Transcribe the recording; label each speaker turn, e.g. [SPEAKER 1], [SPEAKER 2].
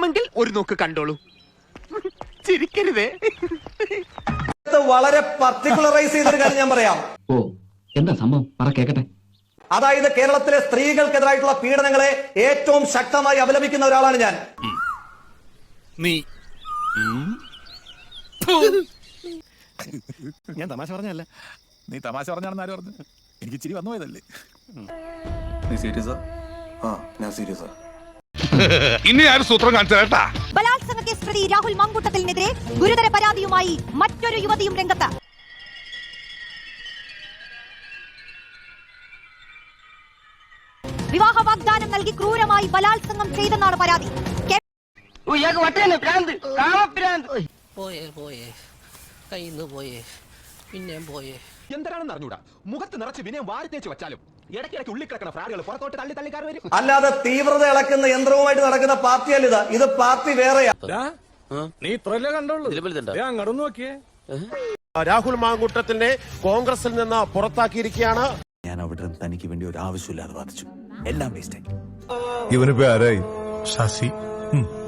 [SPEAKER 1] കാണണമെങ്കിൽ ഒരു നോക്ക് കണ്ടോളൂ. ചിരിക്കരുതേ.
[SPEAKER 2] വളരെ പർട്ടിക്കുലറൈസ് ചെയ്തൊരു കാര്യം ഞാൻ പറയാം.
[SPEAKER 3] ഓ, എന്താ സംഭവം? പറ കേക്കട്ടെ.
[SPEAKER 2] അതായത് കേരളത്തിലെ സ്ത്രീകൾക്കെതിരായിട്ടുള്ള പീഡനങ്ങളെ ഏറ്റവും ശക്തമായി അപലപിക്കുന്ന ഒരാളാണ് ഞാൻ.
[SPEAKER 4] ഞാൻ തമാശ പറഞ്ഞല്ല. നീ തമാശ പറഞ്ഞാണെന്ന് ആര് പറഞ്ഞു? എനിക്ക് ചിരി വന്നു പോയതല്ലേ.
[SPEAKER 5] നീ സീരിയസാ? ആ, ഞാൻ സീരിയസാ.
[SPEAKER 6] ഇനി ആരും സൂത്രം കാണിച്ചാ.
[SPEAKER 7] ബലാത്സംഗ കേസ് പ്രതി രാഹുൽ മാങ്കൂട്ടത്തിനെതിരെ ഗുരുതര പരാതിയുമായി മറ്റൊരു യുവതിയും രംഗത്ത്. വിവാഹ വാഗ്ദാനം നൽകി ക്രൂരമായി ബലാത്സംഗം ചെയ്തെന്നാണ് പരാതി.
[SPEAKER 1] എന്താണെന്ന് അറിഞ്ഞൂടാ. മുഖത്ത് നിറച്ച് വിനയം വാരി തേച്ച് വെച്ചാലും ഇടയ്ക്കിടയ്ക്ക് ഉള്ളിക്കിടക്കണ ഫ്രാഡുകൾ പുറത്തോട്ട് തള്ളി തള്ളിക്കാർ വരും.
[SPEAKER 2] അല്ലാതെ തീവ്രത ഇളക്കുന്ന യന്ത്രവുമായിട്ട് നടക്കുന്ന പാർട്ടിയല്ല ഇത് പാർട്ടി വേറെയാ.
[SPEAKER 4] നീ ഇത്രല്ലേ കണ്ടോളൂ. അങ്ങോട്ട് നോക്കിയേ.
[SPEAKER 8] രാഹുൽ മാങ്കൂട്ടത്തിനെ കോൺഗ്രസിൽ നിന്ന് പുറത്താക്കിയിരിക്കുകയാണ്.
[SPEAKER 5] ഞാൻ അവിടെ തനിക്ക് വേണ്ടി ഒരു ആവശ്യമില്ലാതെ വാദിച്ചു. എല്ലാം വേസ്റ്റ് ആയി.
[SPEAKER 4] ഇവനിപ്പോ ആരായി? ശശി.